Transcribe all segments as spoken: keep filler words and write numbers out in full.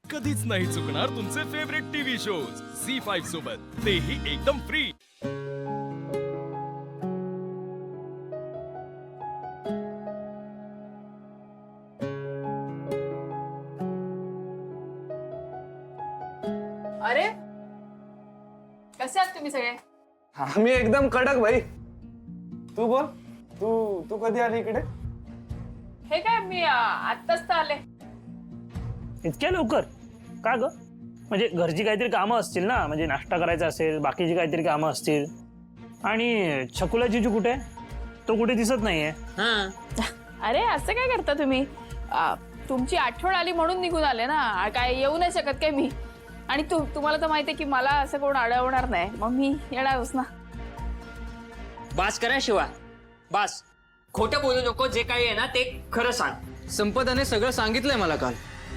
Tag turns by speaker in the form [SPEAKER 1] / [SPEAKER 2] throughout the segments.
[SPEAKER 1] कधीच नाही चुकणार तुमचे favourite TV shows C five सोबत, तेही एकदम फ्री।
[SPEAKER 2] अरे कसे आहात तुम्ही सगळे?
[SPEAKER 3] आम्ही एकदम कडक भाई। तू बोल, तू तू कधी आली इकडे?
[SPEAKER 2] हे काय मी आत्ताच तर आले।
[SPEAKER 4] इतक्या लवकर का ग? म्हणजे घरची काहीतरी कामं असतील ना, म्हणजे नाश्ता करायचा असेल, बाकीची काहीतरी कामं असतील। आणि छकुला जिजू कुठे? तो कुठे दिसत नाहीये।
[SPEAKER 2] अरे असं काय करता तुम्ही? आ, तुमची आठवण आली म्हणून निघून आले ना, काय येऊ नाही शकत काय मी? आणि तू तुम्हाला तर माहिती आहे की मला असं कोण अडवणार नाही, मग मी येणारच ना।
[SPEAKER 5] बास करा शिवा, बास। खोटं बोलू नको, जे काही आहे ना ते खरं सांग।
[SPEAKER 6] संपदाने सगळं सांगितलंय मला काल।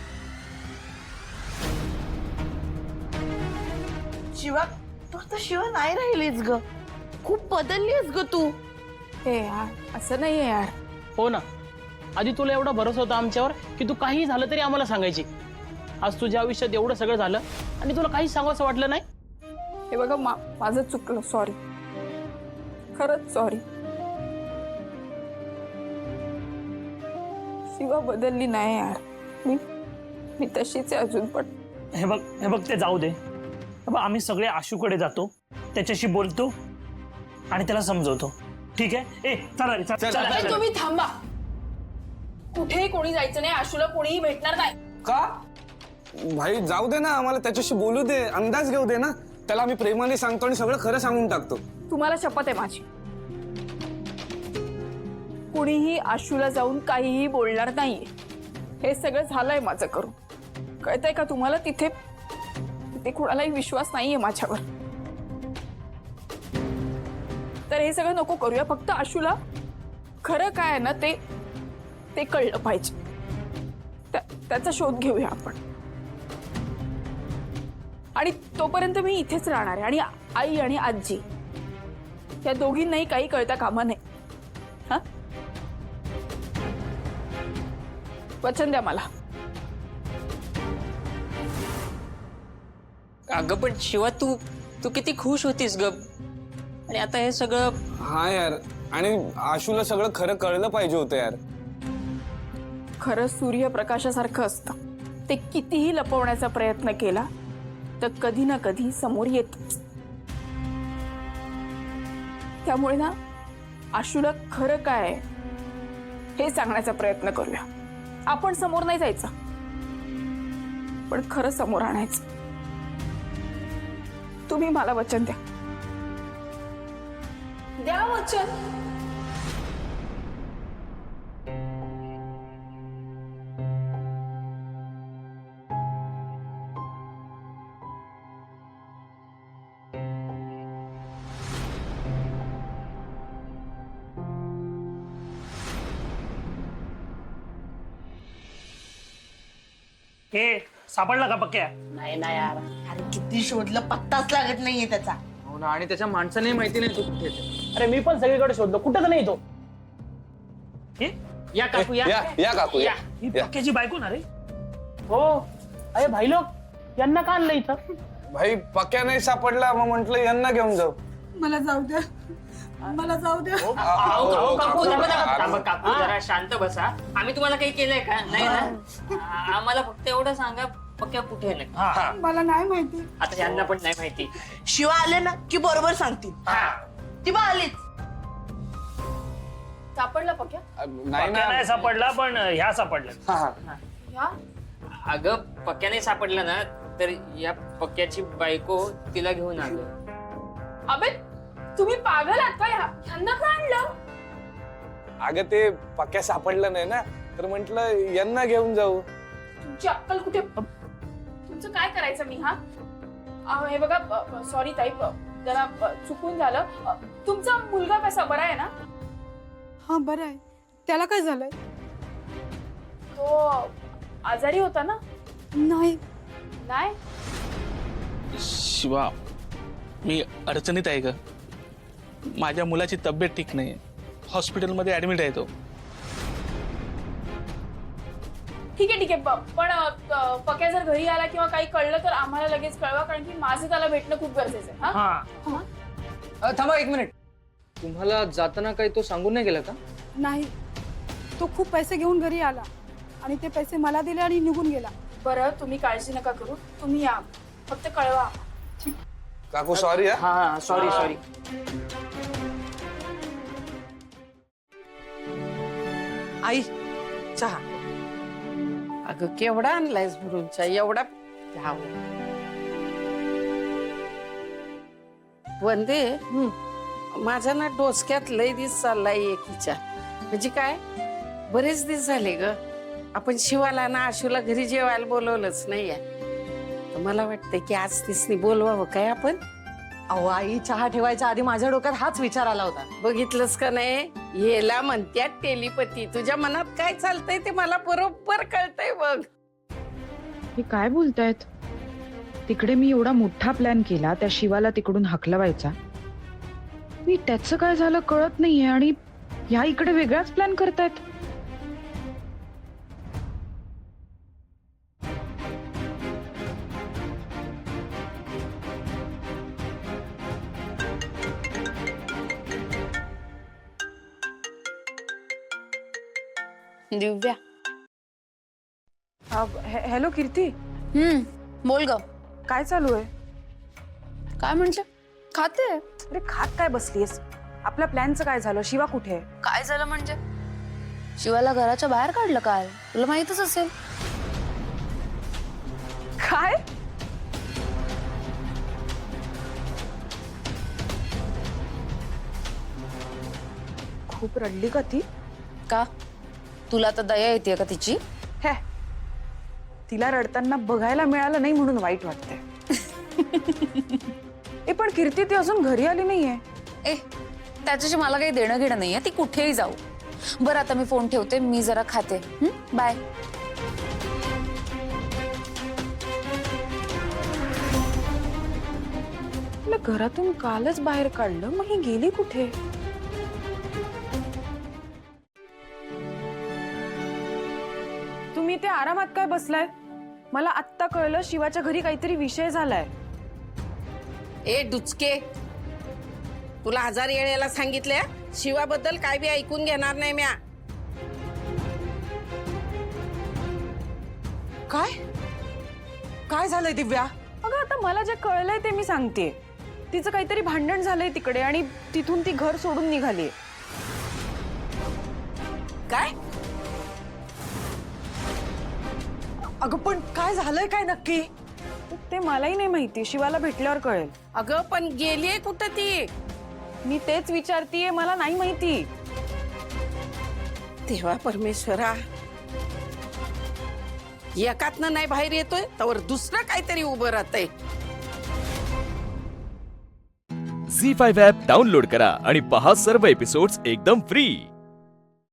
[SPEAKER 7] शिवा, तू आता शिवा नाही राहिलीस ग, खूप बदललीस ग तू।
[SPEAKER 2] हे यार असं नाहीये यार।
[SPEAKER 8] हो ना, आधी तुला एवढा भरोसा होता आमच्यावर की तू काही झालं तरी आम्हाला सांगायची। आज तुझ्या आयुष्यात एवढं सगळं झालं आणि तुला काही सांगावंसं वाटलं नाही।
[SPEAKER 2] हे बघा मा, माझं चुकलं, सॉरी, खरंच सॉरी। शिवा बदलली नाही यार, मी मी तशीच आहे अजून पण।
[SPEAKER 4] हे बघ हे बघ ते जाऊ दे। हे बघ, आम्ही सगळे आशूकडे जातो, त्याच्याशी बोलतो आणि त्याला समजवतो, ठीक आहे? ए चला रे, चला, चला,
[SPEAKER 2] अरे
[SPEAKER 4] चला।
[SPEAKER 2] तुम्ही थांबा, कुठेही कोणी जायचं नाही, आशूला कोणीही भेटणार नाही।
[SPEAKER 3] का भाई? जाऊ दे ना, आम्हाला त्याच्याशी बोलू दे, अंदाज घेऊ दे ना। त्याला आम्ही प्रेमाने सांगतो आणि सगळं खरं सांगून टाकतो।
[SPEAKER 2] तुम्हाला शपथ आहे माझी, कुणीही आशूला जाऊन काहीही बोलणार नाहीये। हे सगळं झालंय माझं करून, कळतंय का तुम्हाला? तिथे तिथे कुणालाही विश्वास नाहीये माझ्यावर। तर हे सगळं नको करूया, फक्त आशूला खरं काय आहे ना ते ते कळलं पाहिजे, त्या, त्याचा शोध घेऊया आपण। आणि तोपर्यंत मी इथेच राहणार आहे, आणि आई आणि आजी या दोघींनाही काही कळता कामा नये। हा, वचन द्या मला।
[SPEAKER 5] अगं पण शिवा, तू तू किती खुश होतीस ग, आणि आता हे सगळं।
[SPEAKER 3] हा यार, आणि आशूला सगळं खरं कळलं पाहिजे होतं यार।
[SPEAKER 2] खरं सूर्यप्रकाशासारखं असतं, ते कितीही लपवण्याचा प्रयत्न केला तर कधी ना कधी समोर येतच। त्यामुळे ना आशूला खरं काय आहे हे सांगण्याचा प्रयत्न करूया आपण। समोर नाही जायचं, पण खरं समोर आणायचं। तुम्ही मला वचन द्या, द्या वचन।
[SPEAKER 4] ए सापडला का पक्क्या?
[SPEAKER 7] नाही ना यार, अरे किती शोधलं, पत्ताच लागत नाहीये त्याचा।
[SPEAKER 6] हो ना, आणि त्याच्या माणसाने माहिती नाही तू कुठे आहे।
[SPEAKER 8] अरे मी पण सगळीकडे शोधलो, कुठं तर नाही तो।
[SPEAKER 4] हे
[SPEAKER 5] या काकू या,
[SPEAKER 3] या या काकू या,
[SPEAKER 4] ही
[SPEAKER 3] या।
[SPEAKER 4] पक्क्याची बायको ना रे?
[SPEAKER 8] हो, अरे भाई लोक यांना का आणलं इथं?
[SPEAKER 3] भाई पक्या नाही सापडला, मग म्हंटल यांना घेऊन जाऊ।
[SPEAKER 7] मला जाऊ द्या, मला जाऊ द्या।
[SPEAKER 5] अहो, अहो, काकू थांबा, थांबा, थांबा, काकू जरा शांत बसा। आम्ही तुम्हाला काही केलंय का? नाही ना, आ- आम्हाला फक्त एवढं सांगा, पक्या कुठे आहे नक्की?
[SPEAKER 7] मला नाही माहिती।
[SPEAKER 5] आता यांना पण नाही माहिती।
[SPEAKER 7] शिवा आले ना की बरोबर सांगतील। ती बा आलीच।
[SPEAKER 2] सापडला पक्या?
[SPEAKER 3] नाही
[SPEAKER 4] पक्क्या नाही
[SPEAKER 3] ना,
[SPEAKER 4] सापडला, पण ह्या सापडल्या।
[SPEAKER 3] हा, हा.
[SPEAKER 2] ह्या
[SPEAKER 5] अगं पक्याने सापडलं ना, तर या पक्याची बायको तिला घेऊन आलो।
[SPEAKER 2] अबे तुम्ही पागल आहात का? ह्या- ह्यांना का आणलं?
[SPEAKER 3] अगं ते पक्या सापडलं नाही ना, तर म्हंटल यांना घेऊन जाऊ।
[SPEAKER 2] तुमची अक्कल कुठे? तुमचं काय करायचं मी? हा अहो, हे बघा, सॉरी ताई, जरा अ, चुकून झालं। अ, तुमचा मुलगा कसा, बरा आहे ना?
[SPEAKER 9] हा बरं आहे, त्याला काय झालंय?
[SPEAKER 2] तो आजारी होता ना?
[SPEAKER 9] नाही,
[SPEAKER 2] नाही
[SPEAKER 10] शिवा, मी अडचणीत आहे ग। माझ्या मुलाची तब्येत ठीक नाही, हॉस्पिटलमध्ये ऍडमिट आहे तो।
[SPEAKER 2] ठीक आहे ठीक आहे प- पण अ, पक्या जर घरी आला किंवा काही कळलं तर आम्हाला लगेच कळवा, कारण की माझं त्याला भेटणं खूप गरजेचं आहे. हा?
[SPEAKER 4] हा
[SPEAKER 6] अ, थांबा एक मिनिट. तुम्हाला जाताना काही तो सांगून नाही गेला का?
[SPEAKER 9] नाही, तो खूप पैसे घेऊन घरी आला आणि ते पैसे मला दिले आणि निघून गेला.
[SPEAKER 2] बरं तुम्ही काळजी नका करू, तुम्ही या, फक्त कळवा.
[SPEAKER 3] काकू सॉरी हा
[SPEAKER 5] हा सॉरी सॉरी.
[SPEAKER 7] आई चहा. अगं केवढा आणलायस भरून चहा, एवढा घ्याव. वंदे, माझ्या ना डोसक्यात लय दिस चाललाय एकीच्या. म्हणजे काय, बरेच दिवस झाले ग आपण शिवाला ना आशूला घरी जेवायला बोलवलंच नाहीये. तर मला वाटतंय की आज तिसनी बोलवावं काय आपण.
[SPEAKER 11] अहो आई, चहा ठेवायच्या आधी माझ्या डोक्यात हाच विचार आला होता.
[SPEAKER 7] बघितलंस का नाही, याला म्हणत्यात टेलिपती. तुझ्या मनात काय चालतंय ते मला बरोबर कळतंय बघ.
[SPEAKER 12] हे काय बोलतायत? तिकडे मी एवढा मोठा प्लॅन केला, त्या शिवाला तिकडून हकलवायचा. मी त्याचं काय झालं कळत नाहीये आणि ह्या इकडे वेगळाच प्लॅन करतायत.
[SPEAKER 2] दिव्या.
[SPEAKER 12] हॅलो कीर्ती,
[SPEAKER 2] हम्म बोल ग.
[SPEAKER 12] काय चालू आहे?
[SPEAKER 2] काय म्हणजे? खाते.
[SPEAKER 12] अरे खात काय बसलीस? आपल्या प्लॅनचं काय झालं? शिवा कुठे आहे?
[SPEAKER 2] काय झालं म्हणजे? शिवाला घराच्या बाहेर काढलं काल, तुला माहितच असेल.
[SPEAKER 12] काय? खूप रडली का ती?
[SPEAKER 2] का तुला तर दया येते का तिची?
[SPEAKER 12] हे, तिला रडताना बघायला मिळालं नाही म्हणून वाईट वाटते. ए पण कीर्ती ती अजून घरी आली नाहीये.
[SPEAKER 2] ए त्याच्याशी मला काही देणं घेणं नाहीये, ती कुठेही जाऊ. बरं आता मी फोन ठेवते, मी जरा खाते. बाय.
[SPEAKER 12] तिला घरातून कालच बाहेर काढलं, मग ही गेली कुठे? तुम्ही ते आरामात काय बसलाय? मला आत्ता कळलं शिवाच्या घरी काहीतरी विषय झालाय.
[SPEAKER 7] ए डुचके, तुला हजार येळेला सांगितल्या शिवाबद्दल काय बी ऐकून घेणार नाही म्या.
[SPEAKER 11] काय काय झालंय दिव्या?
[SPEAKER 12] अगं आता मला जे कळलंय ते मी सांगते. तिचं काहीतरी भांडण झालंय तिकडे आणि तिथून ती घर सोडून निघाली.
[SPEAKER 7] काय?
[SPEAKER 11] अगं पण काय झालंय काय नक्की?
[SPEAKER 12] ते मलाही नाही माहिती, शिवाला भेटल्यावर कळेल.
[SPEAKER 7] अगं पण गेलीये कुठं ती?
[SPEAKER 12] मी तेच विचारतीये, मला नाही माहिती.
[SPEAKER 7] देवा परमेश्वरा, एकातनं नाही बाहेर येतोय तर दुसरं काहीतरी उभं राहतंय.
[SPEAKER 1] झी फाईव्ह ॲप डाउनलोड करा आणि पहा सर्व एपिसोड्स एकदम फ्री.